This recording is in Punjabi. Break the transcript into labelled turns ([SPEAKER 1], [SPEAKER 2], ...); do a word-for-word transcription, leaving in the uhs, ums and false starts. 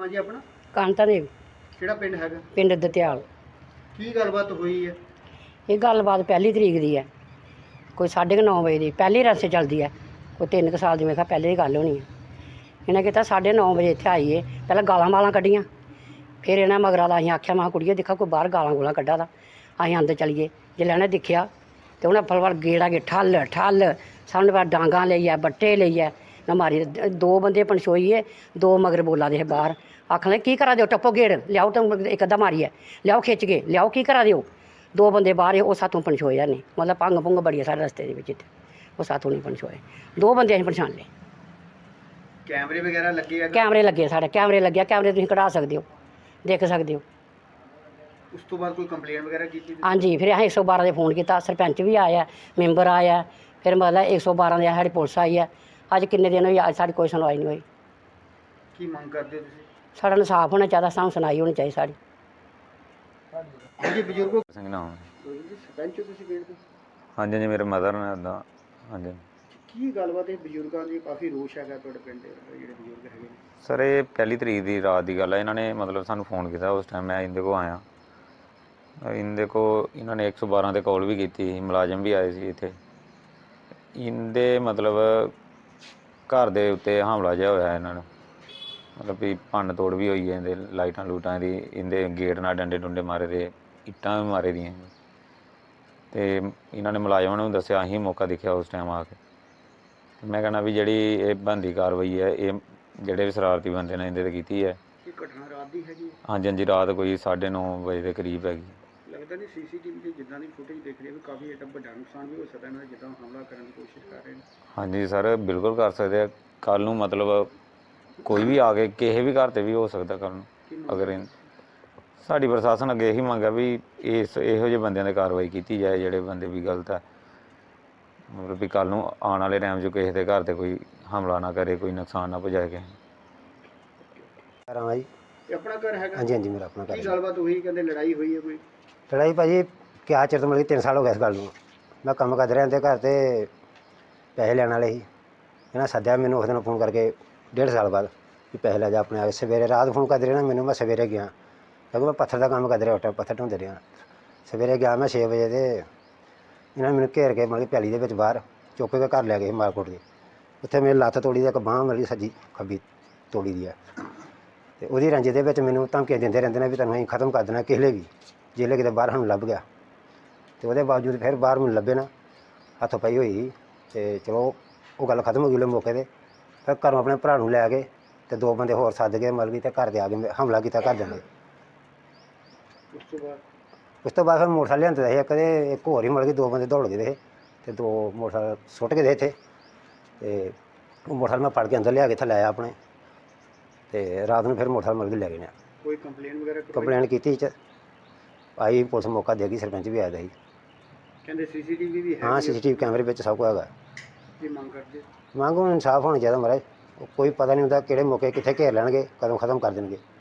[SPEAKER 1] ਹੈ ਜੀ ਆਪਣਾ?
[SPEAKER 2] ਕਾਂਤਾ ਦੇਵ।
[SPEAKER 1] ਕਿਹੜਾ ਪਿੰਡ ਹੈਗਾ?
[SPEAKER 2] ਪਿੰਡ ਦਤਿਆਲ।
[SPEAKER 1] ਕੀ ਗੱਲਬਾਤ ਹੋਈ ਹੈ?
[SPEAKER 2] ਇਹ ਗੱਲਬਾਤ ਪਹਿਲੀ ਤਰੀਕ ਦੀ ਹੈ, ਕੋਈ ਸਾਢੇ ਕੁ ਨੌ ਵਜੇ ਦੀ ਪਹਿਲੀ ਰਸਤੇ ਚੱਲਦੀ ਹੈ। ਕੋਈ ਤਿੰਨ ਕੁ ਸਾਲ ਦੀ ਮੇਰੇ ਖਿਆਲ ਪਹਿਲੇ ਦੀ ਗੱਲ ਹੋਣੀ ਹੈ। ਇਹਨੇ ਕੀਤਾ ਸਾਢੇ ਨੌ ਵਜੇ ਇੱਥੇ ਆਈਏ, ਪਹਿਲਾਂ ਗਾਲਾਂ ਮਾਲਾਂ ਕੱਢੀਆਂ। ਫਿਰ ਇਹਨਾਂ ਮਗਰਾਂ ਦਾ ਅਸੀਂ ਆਖਿਆ ਮੈਂ ਕੁੜੀਏ ਦੇਖਾ ਕੋਈ ਬਾਹਰ ਗਾਲਾਂ ਗੂਲਾਂ ਕੱਢਾ ਦਾ। ਅਸੀਂ ਅੰਦਰ ਚਲੀਏ, ਜੇ ਇਹਨੇ ਦੇਖਿਆ ਤੇ ਉਹਨੇ ਫਲਵਾਰ ਗੇੜਾ ਕੇ ਠੱਲ ਠੱਲ ਸਾਹਮਣੇ ਬਾਹਰ ਡਾਂਗਾਂ ਲਈ ਹੈ, ਬੱਟੇ ਲਈ ਹੈ ਨਾ ਮਾਰੀ। ਦੋ ਬੰਦੇ ਪਣਛੋਈਏ, ਦੋ ਮਗਰ ਬੋਲਾ ਦੇ ਬਾਹਰ ਆਖਣ ਲੱਗੇ ਕੀ ਕਰਾ ਦਿਓ, ਟੱਪੋ ਗੇੜ ਲਿਆਓ, ਤਾਂ ਇੱਕ ਅੱਧਾ ਮਾਰੀਏ ਲਿਆਓ, ਖਿੱਚ ਕੇ ਲਿਆਓ, ਕੀ ਕਰਾ ਦਿਓ। ਦੋ ਬੰਦੇ ਬਾਹਰ ਉਹ ਸਾਥੋਂ ਪਣਛੋਏ ਨਹੀਂ, ਮਤਲਬ ਭੰਗ ਭੁੰਗ ਬੜੀ ਹੈ ਸਾਡੇ ਰਸਤੇ ਦੇ ਵਿੱਚ ਇੱਥੇ, ਉਹ ਸਾਥੋਂ ਨਹੀਂ ਪਣਛੋਏ। ਦੋ ਬੰਦੇ ਅਸੀਂ ਪਛਾਣ ਲਏ।
[SPEAKER 1] ਕੈਮਰੇ ਵਗੈਰਾ ਲੱਗੇ ਆ?
[SPEAKER 2] ਕੈਮਰੇ ਲੱਗੇ ਸਾਡੇ, ਕੈਮਰੇ ਲੱਗਿਆ, ਕੈਮਰੇ ਤੁਸੀਂ ਕਢਾ ਸਕਦੇ ਹੋ, ਦੇਖ ਸਕਦੇ ਹੋ।
[SPEAKER 1] ਉਸ ਤੋਂ ਬਾਅਦ ਕੋਈ ਕੰਪਲੇਂਟ ਵਗੈਰਾ ਕੀਤੀ?
[SPEAKER 2] ਹਾਂਜੀ, ਫਿਰ ਅਸੀਂ ਇੱਕ ਸੌ ਬਾਰਾਂ ਦੇ ਫੋਨ ਕੀਤਾ, ਸਰਪੰਚ ਵੀ ਆਇਆ, ਮੈਂਬਰ ਆਇਆ, ਫਿਰ ਮਤਲਬ ਇੱਕ ਸੌ ਬਾਰਾਂ ਦੇ ਸਾਡੀ ਪੁਲਿਸ ਆਈ ਹੈ। ਅੱਜ ਕਿੰਨੇ ਦਿਨ ਹੋਈ, ਅੱਜ ਸਾਡੀ ਕੋਈ ਸੁਣਵਾਈ ਨਹੀਂ ਹੋਈ।
[SPEAKER 1] ਕੀ ਮੰਗ ਕਰਦੇ ਹੋ ਤੁਸੀਂ?
[SPEAKER 2] ਸਾਡਾ ਇਨਸਾਫ ਹੋਣਾ ਚਾਹੀਦਾ, ਸਾਨੂੰ ਸੁਣਾਈ ਹੋਣੀ ਚਾਹੀਦੀ ਸਾਡੀ।
[SPEAKER 1] ਹਾਂਜੀ ਬਜ਼ੁਰਗੋ
[SPEAKER 3] ਸਿੰਘ ਨਾਮ ਹੈ।
[SPEAKER 1] ਸਰਪੰਚ ਹੋ ਤੁਸੀਂ ਪਿੰਡ ਦੇ?
[SPEAKER 3] ਹਾਂਜੀ ਹਾਂਜੀ, ਮੇਰੇ ਮਦਰ ਨੇ ਇੱਦਾਂ। ਹਾਂਜੀ
[SPEAKER 1] ਕੀ ਗੱਲਬਾਤ ਹੈ? ਬਜ਼ੁਰਗਾਂ ਦੀ ਕਾਫੀ ਰੋਸ਼ ਹੈਗਾ ਤੁਹਾਡੇ ਪਿੰਡ ਦੇ ਜਿਹੜੇ ਬਜ਼ੁਰਗ ਹੈਗੇ ਨੇ।
[SPEAKER 3] ਸਰ, ਇਹ ਪਹਿਲੀ ਤਰੀਕ ਦੀ ਰਾਤ ਦੀ ਗੱਲ ਹੈ। ਇਹਨਾਂ ਨੇ ਮਤਲਬ ਸਾਨੂੰ ਫੋਨ ਕੀਤਾ, ਉਸ ਟਾਈਮ ਮੈਂ ਇਹਦੇ ਕੋਲ ਆਇਆ। ਇਹਦੇ ਕੋਲ ਇਹਨਾਂ ਨੇ ਇੱਕ ਸੌ ਬਾਰਾਂ 'ਤੇ ਕਾਲ ਵੀ ਕੀਤੀ ਸੀ, ਮੁਲਾਜ਼ਮ ਵੀ ਆਏ ਸੀ ਇੱਥੇ। ਇਹਦੇ ਮਤਲਬ ਘਰ ਦੇ ਉੱਤੇ ਹਮਲਾ ਜਿਹਾ ਹੋਇਆ ਇਹਨਾਂ ਨੂੰ, ਮਤਲਬ ਵੀ ਭੰਨ ਤੋੜ ਵੀ ਹੋਈ ਹੈ, ਇਹਦੇ ਲਾਈਟਾਂ ਲੂਟਾਂ ਦੀ, ਇਹਦੇ ਗੇਟ ਨਾਲ ਡੰਡੇ ਡੁੰਡੇ ਮਾਰੇ ਦੇ, ਇੱਟਾਂ ਵੀ ਮਾਰੇ ਦੀਆਂ। ਅਤੇ ਇਹਨਾਂ ਨੇ ਮੁਲਾਜ਼ਮਾਂ ਨੂੰ ਦੱਸਿਆ, ਅਸੀਂ ਮੌਕਾ ਦੇਖਿਆ ਉਸ ਟਾਈਮ ਆ ਕੇ। ਮੈਂ ਕਹਿਣਾ ਵੀ ਜਿਹੜੀ ਇਹ ਬਣਦੀ ਕਾਰਵਾਈ ਹੈ, ਇਹ ਜਿਹੜੇ ਵੀ ਸ਼ਰਾਰਤੀ ਬੰਦੇ ਨੇ ਇਹਦੇ 'ਤੇ ਕੀਤੀ ਹੈ।
[SPEAKER 1] ਇਹ ਘਟਨਾ ਰਾਤ ਦੀ ਹੈਗੀ?
[SPEAKER 3] ਹਾਂਜੀ ਹਾਂਜੀ, ਰਾਤ ਕੋਈ ਸਾਢੇ ਨੌ ਵਜੇ ਦੇ ਕਰੀਬ ਹੈਗੀ।
[SPEAKER 1] ਲੱਗਦਾ ਨਹੀਂ ਸੀ ਸੀ ਟੀ ਵੀ 'ਤੇ ਜਿੱਦਾਂ ਦੀ ਫੁਟੇਜ ਦੇਖ ਰਹੀ ਹੈ ਵੀ ਕਾਫੀ ਏਡਾ ਵੱਡਾ ਨੁਕਸਾਨ ਵੀ ਹੋ ਸਕਦਾ ਇਹਨਾਂ ਦਾ, ਜਿੱਦਾਂ ਹਮਲਾ ਕਰਨ ਦੀ ਕੋਸ਼ਿਸ਼ ਕਰ ਰਹੇ ਨੇ।
[SPEAKER 3] ਹਾਂਜੀ ਸਰ, ਬਿਲਕੁਲ ਕਰ ਸਕਦੇ ਆ। ਕੱਲ੍ਹ ਨੂੰ ਮਤਲਬ ਕੋਈ ਵੀ ਆ ਕੇ ਕਿਸੇ ਵੀ ਘਰ 'ਤੇ ਵੀ ਹੋ ਸਕਦਾ ਕੱਲ੍ਹ ਨੂੰ। ਅਗਰ ਇਹ ਸਾਡੀ ਪ੍ਰਸ਼ਾਸਨ ਅੱਗੇ ਇਹੀ ਮੰਗ ਹੈ ਵੀ ਇਸ ਇਹੋ ਜਿਹੇ ਬੰਦਿਆਂ 'ਤੇ ਕਾਰਵਾਈ ਕੀਤੀ ਜਾਏ, ਜਿਹੜੇ ਬੰਦੇ ਵੀ ਗਲਤ ਹੈ। ਮਤਲਬ ਵੀ ਕੱਲ੍ਹ ਨੂੰ ਆਉਣ ਵਾਲੇ ਟਾਈਮ 'ਚ ਕਿਸੇ ਦੇ ਘਰ 'ਤੇ ਕੋਈ ਹਮਲਾ ਨਾ ਕਰੇ, ਕੋਈ ਨੁਕਸਾਨ ਨਾ ਪਹੁੰਚਾਏ ਕਿਸੇ ਨੂੰ।
[SPEAKER 4] ਕਰਾਂ ਜੀ।
[SPEAKER 1] ਇਹ ਆਪਣਾ ਘਰ ਹੈਗਾ?
[SPEAKER 4] ਹਾਂਜੀ ਹਾਂਜੀ, ਮੇਰਾ ਆਪਣਾ ਘਰ।
[SPEAKER 1] ਕੀ ਗੱਲਬਾਤ ਹੋਈ? ਕਹਿੰਦੇ ਲੜਾਈ ਹੋਈ ਹੈ ਕੋਈ?
[SPEAKER 4] ਲੜਾਈ ਭਾਜੀ ਕਿਆ ਚਿਰ ਤੋਂ, ਮਤਲਬ ਤਿੰਨ ਸਾਲ ਹੋ ਗਏ ਇਸ ਗੱਲ ਨੂੰ। ਮੈਂ ਕੰਮ ਕਰਦਾ ਰਿਹਾ ਤੇ ਘਰ 'ਤੇ ਪੈਸੇ ਲੈਣ ਵਾਲੇ ਸੀ। ਇਹਨਾਂ ਸੱਦਿਆ ਮੈਨੂੰ ਉਸ ਦਿਨ ਫੋਨ ਕਰਕੇ ਡੇਢ ਸਾਲ ਬਾਅਦ ਵੀ ਪੈਸੇ ਲੈ ਜਾ ਆਪਣੇ ਆ। ਸਵੇਰੇ ਰਾਤ ਫੋਨ ਕਰਦੇ ਰਹੇ ਨਾ ਮੈਨੂੰ, ਮੈਂ ਸਵੇਰੇ ਗਿਆ ਕਿਉਂਕਿ ਮੈਂ ਪੱਥਰ ਦਾ ਕੰਮ ਕਰਦਾ ਰਿਹਾ, ਉਸ ਟਾਈਮ ਪੱਥਰ ਢੋਂਦੇ ਰਿਹਾ। ਸਵੇਰੇ ਗਿਆ ਮੈਂ ਛੇ ਵਜੇ ਤੇ ਇਹਨਾਂ ਨੇ ਮੈਨੂੰ ਘੇਰ ਕੇ ਮਤਲਬ ਪੈਲੀ ਦੇ ਵਿੱਚ ਬਾਹਰ ਚੁੱਕ ਕੇ ਘਰ ਲੈ ਗਏ ਮਾਰਕੋਟ ਦੇ। ਉੱਥੇ ਮੇਰੀ ਲੱਤ ਤੋੜੀ ਦੀ, ਇੱਕ ਬਾਂਹ ਮਤਲਬ ਸੱਜੀ ਖੱਬੀ ਤੋੜੀ ਦੀ ਹੈ। ਅਤੇ ਉਹਦੀ ਰੰਜੇ ਦੇ ਵਿੱਚ ਮੈਨੂੰ ਧਮਕੀਆਂ ਦਿੰਦੇ ਰਹਿੰਦੇ ਨੇ ਵੀ ਤੁਹਾਨੂੰ ਅਸੀਂ ਖਤਮ ਕਰ ਦੇਣਾ ਕਿਸੇ ਵੀ, ਜਿਹਲੇ ਕਿਤੇ ਬਾਹਰ ਸਾਨੂੰ ਲੱਭ ਗਿਆ। ਅਤੇ ਉਹਦੇ ਬਾਵਜੂਦ ਫਿਰ ਬਾਹਰ ਮੈਨੂੰ ਲੱਭੇ ਨਾ, ਹੱਥ ਪਈ ਹੋਈ। ਅਤੇ ਚਲੋ ਉਹ ਗੱਲ ਖਤਮ ਹੋ ਗਈ ਉਹਦੇ ਮੌਕੇ 'ਤੇ। ਫਿਰ ਘਰੋਂ ਆਪਣੇ ਭਰਾ ਨੂੰ ਲੈ ਕੇ ਅਤੇ ਦੋ ਬੰਦੇ ਹੋਰ ਸੱਦ ਕੇ ਮਤਲਬ ਕਿ ਅਤੇ ਘਰ ਦੇ ਆ ਕੇ ਹਮਲਾ ਕੀਤਾ ਘਰ ਦੇ।
[SPEAKER 1] ਉਸ ਤੋਂ ਬਾਅਦ
[SPEAKER 4] ਉਸ ਤੋਂ ਬਾਅਦ ਫਿਰ ਮੋਟਰਸਾਈਕਲ ਲਿਆਂਦੇ ਸੀ ਇੱਕ, ਦੇ ਇੱਕ ਹੋਰ ਹੀ ਮਤਲਬ ਕਿ ਦੋ ਬੰਦੇ ਦੌੜ ਗਏ ਦੇ ਅਤੇ ਦੋ ਮੋਟਰਸਾਈਕਲ ਸੁੱਟ ਗਏ ਦੇ ਇੱਥੇ। ਅਤੇ ਉਹ ਮੋਟਰਸਾਈਕਲ ਮੈਂ ਫੜ ਕੇ ਅੰਦਰ ਲਿਆ ਕੇ ਇੱਥੇ ਲਾਇਆ ਆਪਣੇ, ਅਤੇ ਰਾਤ ਨੂੰ ਫਿਰ ਮੋਟਰਸਾਈਕਲ ਮਤਲਬ ਕਿ ਲੈ ਗਏ ਨੇ।
[SPEAKER 1] ਕੋਈ ਕੰਪਲੇਂਟ ਵਗੈਰਾ ਕਰਵਾਈ?
[SPEAKER 4] ਕੰਪਲੇਨ ਕੀਤੀ ਚ ਆਈ, ਪੁਲਿਸ ਮੌਕਾ ਦੇ ਗਈ, ਸਰਪੰਚ ਵੀ ਆਇਆ ਦਾ ਸੀ।
[SPEAKER 1] ਕਹਿੰਦੇ ਸੀ ਸੀ ਟੀ ਵੀ ਵੀ ਹੈ?
[SPEAKER 4] ਹਾਂ, ਸੀ ਸੀ ਟੀ ਵੀ ਕੈਮਰੇ ਵਿੱਚ ਸਭ ਕੁਝ ਹੈਗਾ।
[SPEAKER 1] ਕੀ ਮੰਗ ਕਰਦੇ?
[SPEAKER 4] ਮੰਗ ਹੁਣ ਇਨਸਾਫ ਹੋਣਾ ਚਾਹੀਦਾ ਮਹਾਰਾਜ। ਕੋਈ ਪਤਾ ਨਹੀਂ ਹੁੰਦਾ ਕਿਹੜੇ ਮੌਕੇ ਕਿੱਥੇ ਘੇਰ ਲੈਣਗੇ, ਕਦੋਂ ਖਤਮ ਕਰ ਦੇਣਗੇ।